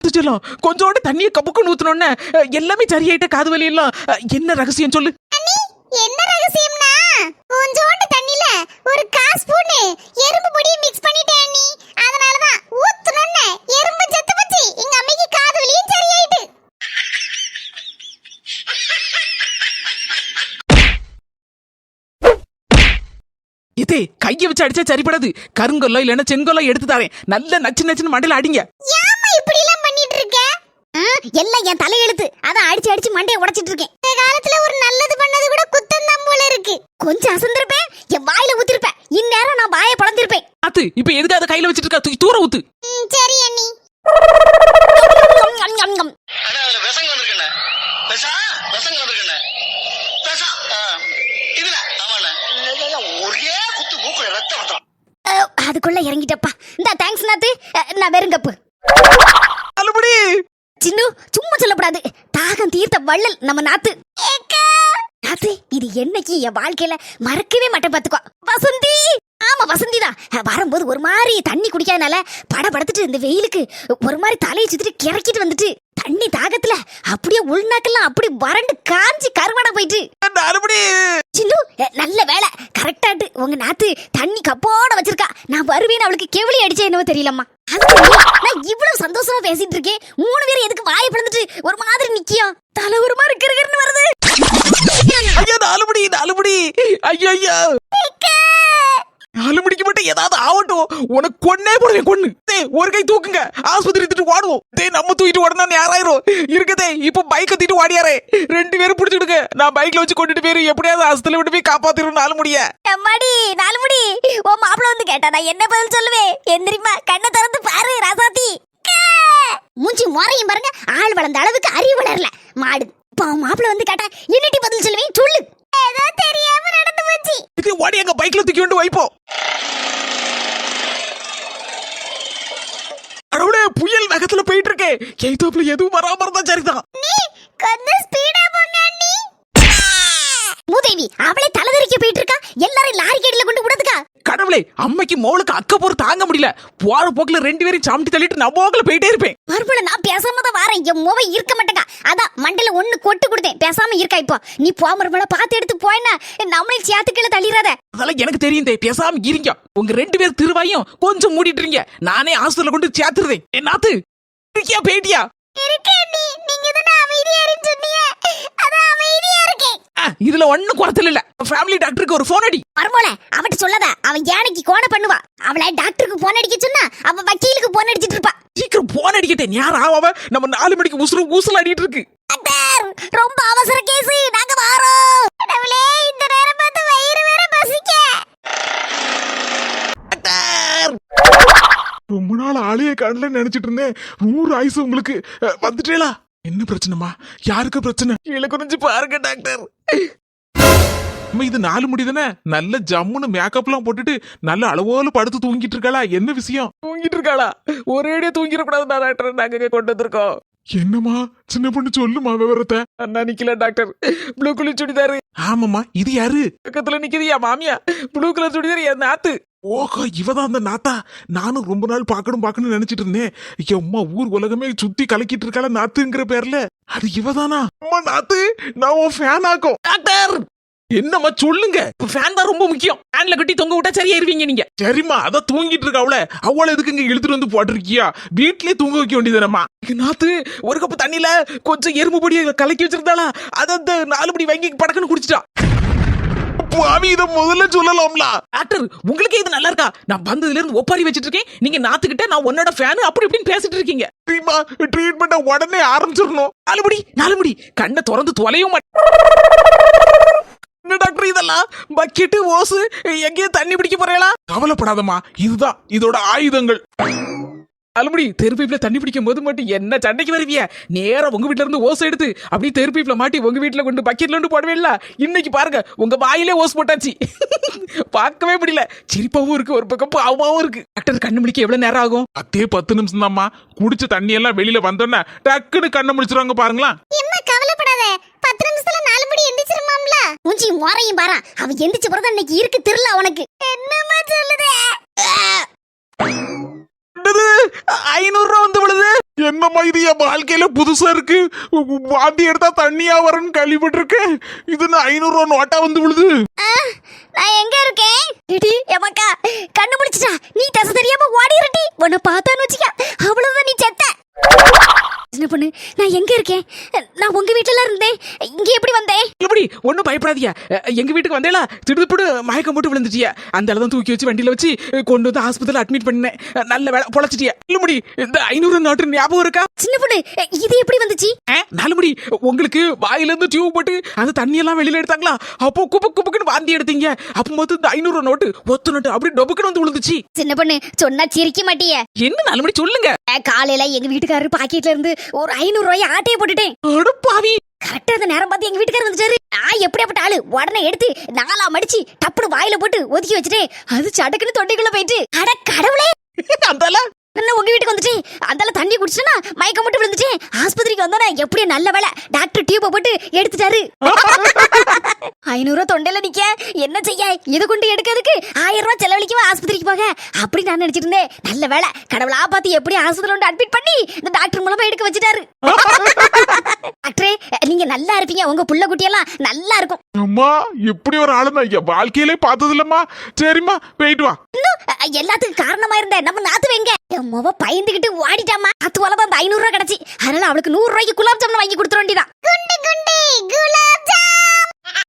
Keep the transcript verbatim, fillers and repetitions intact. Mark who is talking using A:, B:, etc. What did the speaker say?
A: கொஞ்சோண்டு தண்ணிய கப்புக்குன்னு ஊத்துனோன்னு எல்லாமே சரியாயிட்ட. காது வலி எல்லாம் என்ன ரகசியம் சொல்லு.
B: என்ன ரகசியம்னா கொஞ்சோண்டு தண்ணில ஒரு கால் ஸ்பூன் எறும்பு பொடி மிக்ஸ் பண்ணிட்டேன் நீ. அதனால தான் ஊத்துனோன்னு எறும்பு செத்து போச்சு. எங்க அம்மைக்கு காது வலியும் சரியாயிட்டு.
A: இதே கைய வச்சு அடிச்சா சரிப்படாது. கருங்கொல்ல இல்லன்னா செங்கொல்ல எடுத்து தரேன். நல்ல நச்சு நச்சுன்னு மண்டையில அடிங்க.
B: ஏம்மா இப்படி எல்லாம் பண்ணிட்டு இருக்க? எல்லாம் என் தலையெழுத்து. அதான் அடிச்சு அடிச்சு மண்டையை உடைச்சிட்டு இருக்கேன். இந்த காலத்துல ஒரு நல்லது பண்ணது கூட குத்தம் தான் போல இருக்கு. கொஞ்சம் அசந்திருப்பேன், என் வாயில ஊத்திருப்பேன். இந்நேரம் நான் வாயை பொளந்திருப்பேன்.
A: அத்து இப்ப எதுக்கு அதை கையில வச்சிட்டு இருக்கா? தூக்கி தூர ஊத்து.
B: சரி அண்ணி. அதுக்குள்ள இறங்கிட்டப்பா. இந்த தேங்க்ஸ் நாத்து. நான் வெறுங்கப்பு. சின்னு சும்மா சொல்லப்படாது. தாகம் தீர்த்த வள்ளல் நம்ம நாத்து. நாத்து இது என்னைக்கு என் வாழ்க்கையில மறக்கவே மாட்டேன் பாத்துக்கோ. வசந்தி. ஆமா வசந்தி தான். வரும்போது ஒரு மாதிரி தண்ணி குடிக்காதனால பட படுத்துட்டு இந்த வெயிலுக்கு ஒரு மாதிரி தலையை சுத்திட்டு கிறக்கிட்டு வந்துட்டு தண்ணி தாகத்துல அப்படியே உள்நாக்கெல்லாம் அப்படி வறண்டு காஞ்சி கருவாடா போயிட்டு. சின்னு நல்ல வேலை கரெக்டாட்டு உங்க நாத்து தண்ணி கப்போட வச்சிருக்கா. நான் வருவேன்னு அவளுக்கு கெவலி அடிச்சே என்னவோ தெரியலம்மா. நான் இவ்வளவு சந்தோஷமா பேசிட்டு இருக்கேன். மூணு பேரும் எதுக்கு வாயை பிளந்துட்டு ஒரு மாதிரி நிக்கியும்? தலை ஒரு மாதிரி கிருகிருன்னு வருது.
A: ஐயோ நாலுபடி நாலுபடி. ஐயோ ஐயோ நாலு மணிக்கு மட்டும் ஏதாவது ஆகட்டும். உனக்கு கொன்னே போடுவேன் கொன்னு. ஒரு கை தூக்குங்க. ஆஸ்பத்திரி தூக்கிட்டு ஓடுவோம். டே நம்ம தூக்கிட்டு ஓடனா யாராயிரும் இருக்கதே. இப்ப பைக்கை தூக்கிட்டு ஓடியாரே. ரெண்டு பேரும் பிடிச்சிடுங்க. நான் பைக்ல வச்சு கொண்டுட்டு போயிரு. எப்படியாவது ஆஸ்பத்திரியில விட்டு போய் காப்பாத்திரும். நாலு முடிய
B: எம்மாடி நாலு முடி. ஓ மாப்பிள்ள வந்து கேட்டா நான் என்ன பதில் சொல்லுவேன்? எந்திரிமா கண்ணை திறந்து பாரு ராசாத்தி. மூஞ்சி முறையும் பாருங்க. ஆள் வளர்ந்த அளவுக்கு அறிவு வளரல மாடு. மாப்பிள்ள வந்து கேட்டா என்னடி பதில் சொல்லுவேன்? சொல்லு. ஏதோ தெரியாம நடந்து போச்சு.
A: இது ஓடி எங்க பைக்ல தூக்கி கொண்டு வைப்போம். அடவுடே புயல் வேகத்துல போயிட்டு இருக்கே. கேத்தோப்ல எதுவும் வராம இருந்தா சரிதான்.
B: நீ கொஞ்சம் ஸ்பீடா போங்க அண்ணி. மூதேவி அவளே தலைதறிக்க போயிட்டு இருக்கா. எல்லாரும் லாரி கேட்ல கொண்டு விடுதுக்கா.
A: கடவுளே அம்மைக்கு மோளுக்கு அக்க போற தாங்க முடியல. போற போக்குல ரெண்டு பேரும் சாமிட்டி தள்ளிட்டு நான் போக்குல போயிட்டே இருப்பேன்.
B: மறுபடியும் நான் பேசாம தான் வரேன். என் மோவை இருக்க மாட்டேங்க. அதான் மண்டல ஒண்ணு கொட்டு கொடுத்தேன். பேசாம இருக்கா. இப்போ நீ போ மறுபடிய பார்த்து எடுத்து போயினா நம்மளே சேர்த்துக்கீழ தள்ளிடாத.
A: அதெல்லாம் எனக்கு தெரியும். தே பேசாம இருங்க. உங்க ரெண்டு பேர் திருவாயும் கொஞ்சம் மூடிட்டுறீங்க. நானே ஹாஸ்பிடல்ல கொண்டு சேர்த்துறேன். என்னாத்து இருக்கியா பேட்டியா?
B: இருக்கேன் நீ. நீங்க தான அமைதியா இருன்னு சொன்னீங்க. அதான் அமைதியா இருக்கேன்.
A: இதுல ஒண்ணும் குறைச்சல் இல்ல. ஃபேமிலி டாக்டருக்கு ஒரு போன் அடி.
B: மர்மோல அவட்ட சொல்லாத. அவன் யானைக்கு கோண பண்ணுவா. அவளை டாக்டருக்கு போன் அடிக்க சொன்னா அவ வக்கீலுக்கு போன் அடிச்சிட்டு இருப்பா.
A: சீக்கிரம் போன் அடிக்கட்டேன். யார் ஆவ? நம்ம நாலு மணிக்கு உசுறு ஊசல் அடிட்டு இருக்கு.
B: ரொம்ப அவசர கேஸ். நாங்க வாரோம். கடவுளே இந்த நேரம் பார்த்து வயிறு வேற பசிக்க.
A: ரொம்ப நாள் ஆளையே கண்ணுல நினைச்சிட்டு இருந்தேன். நூறு ஆயுசு உங்களுக்கு. வந்துட்டேலா? என்ன பிரச்சனைமா? யாருக்கு பிரச்சனை? கீழே குறிஞ்சு பாருங்க டாக்டர். இது நாலு முடி தானே. நல்ல ஜம்முன்னு மேக்கப் எல்லாம் போட்டுட்டு நல்ல அளவோல படுத்து தூங்கிட்டு இருக்காளா? என்ன விஷயம்? தூங்கிட்டு இருக்காளா? ஒரேடியா தூங்கிடக்கூடாதுடா டாக்டர். நாங்க கொண்டு வந்திருக்கோம். என்னம்மா சின்ன பொண்ணு சொல்லுமா விவரத்தை. அண்ணா நிக்கல டாக்டர். Blue colour churidar. ஆமாமா இது யாரு? பக்கத்துல நிக்குது என் மாமியா. ப்ளூ கலர் சுடிதாரு என் நாத்து. ஓஹோ இவதான் அந்த நாத்தா. நானும் ரொம்ப நாள் பாக்கணும் பாக்கணும்னு நினைச்சிட்டு இருந்தேன். அம்மா ஊர் உலகமே சுத்தி கலக்கிட்டு இருக்காள நாத்துங்கிற பேர்ல. அது இவதானா? அம்மா நாத்து நான் உன் ஃபேன் ஆக்கும். டாக்டர் என்னம்மா சொல்லுங்க. ஃபேன் தான் ரொம்ப முக்கியம். ஃபேன்ல கட்டி தொங்க விட்டா சரியாயிருவீங்க நீங்க. சரிம்மா அதான் தூங்கிட்டு இருக்கா. அவள அவளை எதுக்கு இங்க இழுத்துட்டு வந்து போட்டிருக்கியா? வீட்லயே தூங்க வைக்க வேண்டியதுனம்மா. நாத்து ஒரு கப்பு தண்ணியில கொஞ்சம் எறும்பு பொடியை கலக்கி வச்சிருந்தாளா? அதை அந்த நாலு படி வாங்கி படக்குன்னு குடிச்சிட்டா. இத முதல்ல சொல்லலாம்ல டாக்டர். உங்களுக்கு இது நல்லா இருக்கா? நான் வந்ததுல இருந்து ஒப்பாரி வச்சிட்டு இருக்கேன். நீங்க நாத்துக்கிட்ட நான் உன்னோட ஃபேன் அப்படி இப்படின்னு பேசிட்டு இருக்கீங்க. ட்ரீட்மெண்ட உடனே ஆரம்பிச்சிடணும். நாலுபடி நாலுபடி கண்ணை திறந்து தொலையும் என்ன டாக்டர் இதெல்லாம்? பக்கெட்டு ஓசு எங்கேயும் தண்ணி பிடிக்க போறீங்களா? கவலைப்படாதம்மா. இதுதான் இதோட ஆயுதங்கள். அலுமடி தெருப்பீப்ல தண்ணி பிடிக்கும் போது மட்டும் என்ன சண்டைக்கு வருவிய? நேரம் உங்க வீட்டுல இருந்து ஓஸ் எடுத்து அப்படியே தெருப்பீப்ல மாட்டி உங்க வீட்டுல கொண்டு பக்கெட்ல இருந்து போடவேல. இன்னைக்கு பாருங்க உங்க வாயிலே ஓஸ் போட்டாச்சு. பார்க்கவே முடியல. சிரிப்பாவும் இருக்கு, ஒரு பக்கம் பாவமாவும் இருக்கு. டாக்டர் கண்ணு முடிக்க எவ்வளவு நேரம் ஆகும்? அதே பத்து நிமிஷம் தான்மா. குடிச்ச தண்ணி எல்லாம் வெளியில வந்தோன்னா டக்குன்னு கண்ணை முடிச்சிருவாங்க பாருங்களா.
B: என்ன கவலைப்படாத. பத்து நிமிஷத்துல நாலு மணி எந்திரிச்சிருமாம்ல. மூஞ்சி முறையும் பாரு. அவன் எந்திரிச்ச பிறகு இன்னைக்கு இருக்கு திருல உனக்கு. என்னமா சொல்லுதே? ஐநூறு ரூபா வந்து விழுது.
A: என்னம்மா இது என் வாழ்க்கையில புதுசா இருக்கு. வாந்தி எடுத்தா தண்ணியா வரும்னு கேள்விப்பட்டிருக்கேன். இது நான் ஐநூறு ரூபா நோட்டா வந்து விழுது.
B: நான் எங்க இருக்கேன்? இடி எமக்கா கண்ணு முடிச்சிட்டா. நீ தசை தெரியாம ஓடிரட்டி. உன்னை பார்த்தான்னு வச்சுக்க அவ்வளவுதான் நீ செத்த. என்ன பண்ணு? நான் எங்க இருக்கேன்? நான் உங்க வீட்டுல இருந்தேன். இங்க எப்படி வந்தேன்?
C: எப்படி ஒன்னும் பயப்படாதீங்க. எங்க வீட்டுக்கு வந்தேல திடுப்புடு மயக்கம் போட்டு விழுந்துட்டிய. அந்த அளவு தூக்கி வச்சு வண்டியில வச்சு கொண்டு வந்து ஆஸ்பத்திரியில அட்மிட் பண்ணேன். நல்ல வேலை பொழைச்சிட்டிய. இல்லமுடி இந்த ஐநூறு நோட்டு ஞாபகம் இருக்கா?
B: சின்ன பொண்ணு இது எப்படி வந்துச்சு?
C: நாலுமுடி உங்களுக்கு வாயில இருந்து டியூப் போட்டு அந்த தண்ணி எல்லாம் வெளியில எடுத்தாங்களா? அப்போ குப்பு குப்புக்குன்னு வாந்தி எடுத்தீங்க. அப்போ மொத்தம் இந்த ஐநூறு நோட்டு ஒத்து நோட்டு அப்படி டொபுக்குன்னு வந்து விழுந்துச்சு.
B: சின்ன பொண்ணு சொன்னா சிரிக்க மாட்டிய.
C: என்ன நாலுமுடி சொல்லுங்க.
B: காலையில எங்க வீட்டுக்காரரு பாக்கெட்ல இருந்து ஒரு ஐநூறு ரூபாய் ஆட்டையை போட்டுட்டேன்.
C: அடப்பாவி.
B: கரெக்டா அந்த நேரம் பார்த்து எங்க வீட்டுக்காரர் வந்துட்டாரு. நான் எப்படியாப்பட்ட ஆளு உடனே எடுத்து நாலா மடிச்சு டப்புனு வாயில போட்டு ஒதுக்கி வச்சுட்டேன். அது சடக்குன்னு தொண்டைக்குள்ள போயிட்டு அட கடவுளே
C: அந்தால
B: நான் உங்க வீட்டுக்கு வந்துட்டேன். அந்தால தண்ணி குடிச்சேன்னா மயக்கம் மட்டும் விழுந்துட்டேன். ஆஸ்பத்திரிக்கு வந்தோன்னா எப்படியோ நல்ல வேலை டாக்டர் டியூபை போட்டு எடுத்துட்டாரு. ஐநூறு ரூபா தொண்டையில நிக்க என்ன செய்ய? இதை கொண்டு எடுக்கிறதுக்கு ஆயிரம் ரூபாய் செலவழிக்கவா ஆஸ்பத்திரிக்கு போக? அப்படி நான் நினைச்சிட்டு இருந்தேன். நல்ல வேலை கடவுளா பார்த்து எப்படி ஆஸ்பத்திரியில வந்து அட்மிட் பண்ணி இந்த டாக்டர் மூலமா எடுக்க வச்சுட்டாரு. டாக்டரே நீங்க நல்லா இருப்பீங்க. உங்க புள்ள குட்டியெல்லாம் நல்லா இருக்கும்.
A: அம்மா இப்படி ஒரு ஆளு நான் என் வாழ்க்கையிலே பார்த்தது இல்லம்மா. சரிம்மா போயிட்டு வா.
B: இன்னும் எல்லாத்துக்கும் காரணமா இருந்த நம்ம நாத்து வைங்க. என் மொவ பயந்துகிட்டு ஓடிட்டாமா. அத்து போலதான் அந்த ஐநூறு ரூபாய் கிடைச்சி. அதனால அவளுக்கு நூறு ரூபாய்க்கு குலாப் ஜாமுன் வாங்கி கொடுத்துட வேண்டியதான். குண்டு குண்டு குலாப் ஜாமுன்.